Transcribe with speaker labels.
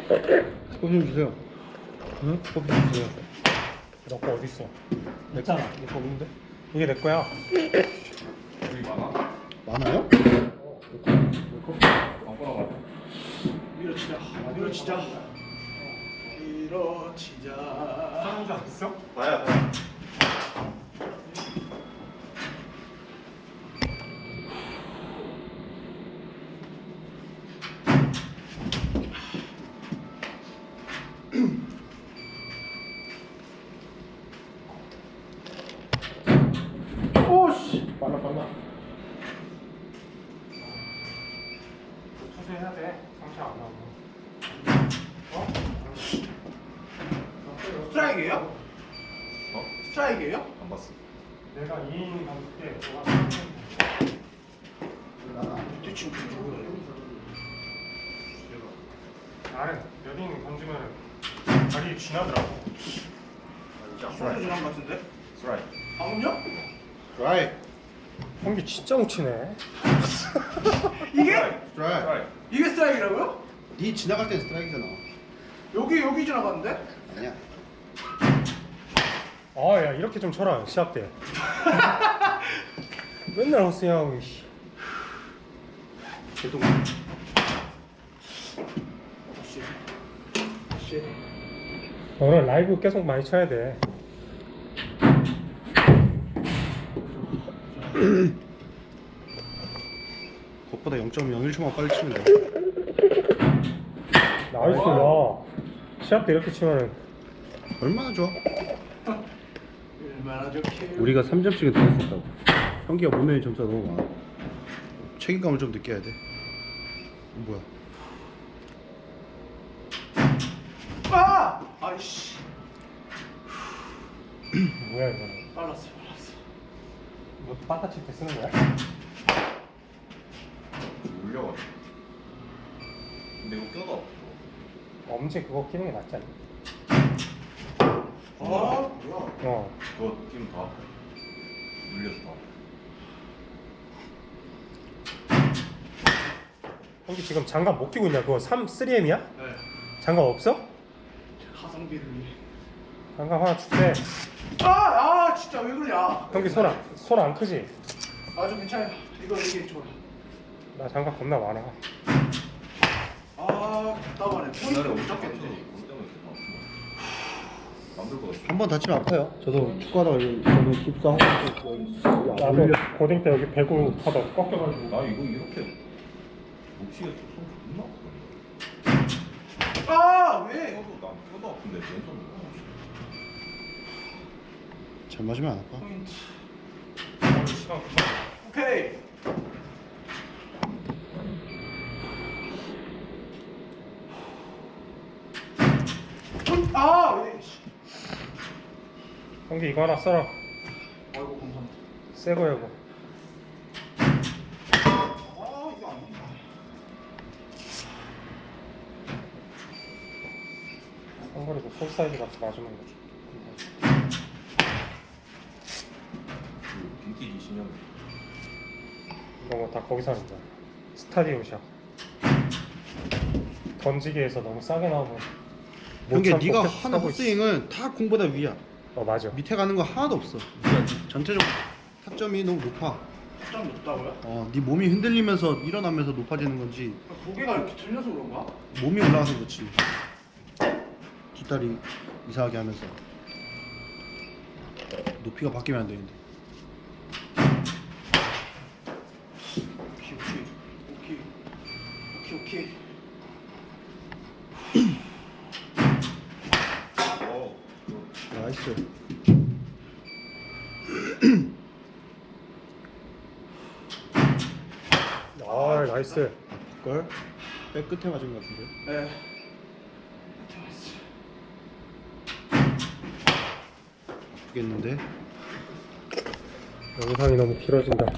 Speaker 1: 커피 좀 주세요.
Speaker 2: 응? 커피 좀 주세요. 너 거 어디 있어? 내 거잖아. 내 거 없는데? 이게 내 거야.
Speaker 3: 여기 많아?
Speaker 1: 많아요?
Speaker 4: 밀어치자. 밀어치자. 밀어치자.
Speaker 2: 사는 줄 알았어?
Speaker 3: 봐야.
Speaker 4: 오씨. 빨라.
Speaker 2: 투수해야 돼. 상처 안 나오고. 어?
Speaker 4: 스트라이크예요?
Speaker 3: 어?
Speaker 4: 스트라이크예요?
Speaker 3: 안 봤어.
Speaker 2: 내가 2인 감독 때 너가
Speaker 4: 대충 누구예요?
Speaker 2: 나는 몇 이닝 던지면 자리 쥐나더라고.
Speaker 4: 소리 지난 것 같은데?
Speaker 3: 스트라이크.
Speaker 4: 방금요?
Speaker 1: 드라이.
Speaker 2: 형기 진짜 뭉치네.
Speaker 4: 이게?
Speaker 1: 드라이.
Speaker 3: 스트라이크.
Speaker 4: 이게 스트라이크라고요?
Speaker 1: 네 지나갈 땐 스트라이크잖아.
Speaker 4: 여기 지나갔는데?
Speaker 1: 아니야.
Speaker 2: 아, 야 이렇게 좀 쳐라 시합 때. 맨날 헛스윙하고.
Speaker 1: 개똥.
Speaker 2: 너는 라이브 계속 많이 쳐야 돼.
Speaker 1: 그것보다 0.01초만 빨리 치면 돼.
Speaker 2: 나이스. 야 시합 때 이렇게 치면은
Speaker 1: 얼마나 좋아?
Speaker 4: 얼마나 좋게.
Speaker 1: 우리가 3점씩은 더 했었다고. 형기가 못 내는 점수가 너무 많아. 책임감을 좀 느껴야 돼. 뭐야?
Speaker 4: 아! 아이씨.
Speaker 2: 뭐야 이거는.
Speaker 4: 빨랐어.
Speaker 2: 너 빠따 칠 때 쓰는 거야?
Speaker 3: 울려가지고. 근데 이거 껴도 없어.
Speaker 2: 엄지 그거 끼는 게 낫지 않나?
Speaker 4: 아, 뭐야?
Speaker 2: 어.
Speaker 3: 그거 끼면 다 물려서 다.
Speaker 2: 형기 지금 장갑 못 끼고 있냐? 그거 3M이야?
Speaker 4: 네.
Speaker 2: 장갑 없어?
Speaker 4: 가성비를 위해.
Speaker 2: 장갑 하나 줄게.
Speaker 4: 진짜 왜 그러냐?
Speaker 2: 형기 손 안 크지?
Speaker 4: 아주 괜찮아요. 이게 좋아.
Speaker 2: 나 장갑 겁나 많아.
Speaker 4: 답답하네.
Speaker 3: 옛날에
Speaker 4: 포인트
Speaker 3: 엄청
Speaker 4: 잡겠네.
Speaker 3: 깼지. 그 때문에 계속 아픈 거야. 남들 거 같아.
Speaker 1: 한 번 다치면 아파요. 저도 축구하다가 저는 깁스하고
Speaker 2: 나도 고딩 때 여기 배구 하다 꺾여가지고.
Speaker 3: 나 이거 이렇게 못 치겠어. 손 존나 아프던데.
Speaker 4: 왜?
Speaker 3: 껴도 난 껴도 아픈데 왼손 못
Speaker 1: 잘 맞으면 안 아파.
Speaker 4: 포인트.
Speaker 2: 시간 금방.
Speaker 4: 오케이. 왜? 씨.
Speaker 2: 형기 이거 하나 써라.
Speaker 4: 아이고 감사합니다.
Speaker 2: 새 거야 이거.
Speaker 4: 이거 안 된다.
Speaker 2: 상거리도 솔 사이즈 같이 맞으면 거지.
Speaker 3: 빈티지 신형.
Speaker 2: 이거 뭐 다 거기서 하는 거야. 스타디움샷. 던지기에서 너무 싸게 나오면. 못
Speaker 1: 형기
Speaker 2: 참고
Speaker 1: 네가
Speaker 2: 계속
Speaker 1: 하는
Speaker 2: 쓰고 있어.
Speaker 1: 헛스윙은 다 공보다 위야.
Speaker 2: 맞아.
Speaker 1: 밑에 가는 거 하나도 없어. 그러니까 전체적 타점이 너무 높아.
Speaker 4: 좀 높다고요?
Speaker 1: 네 몸이 흔들리면서 일어나면서 높아지는 건지
Speaker 4: 고개가 이렇게 들려서 그런가?
Speaker 1: 몸이 올라가서 그렇지. 뒷다리 이상하게 하면서 높이가 바뀌면 안 되는데.
Speaker 4: 오케이.
Speaker 1: 나이스.
Speaker 2: 아 나이스.
Speaker 1: 걸? 백 끝에 맞은 것 같은데.
Speaker 4: 네.
Speaker 1: 아프겠는데?
Speaker 2: 영상이 너무 길어진다.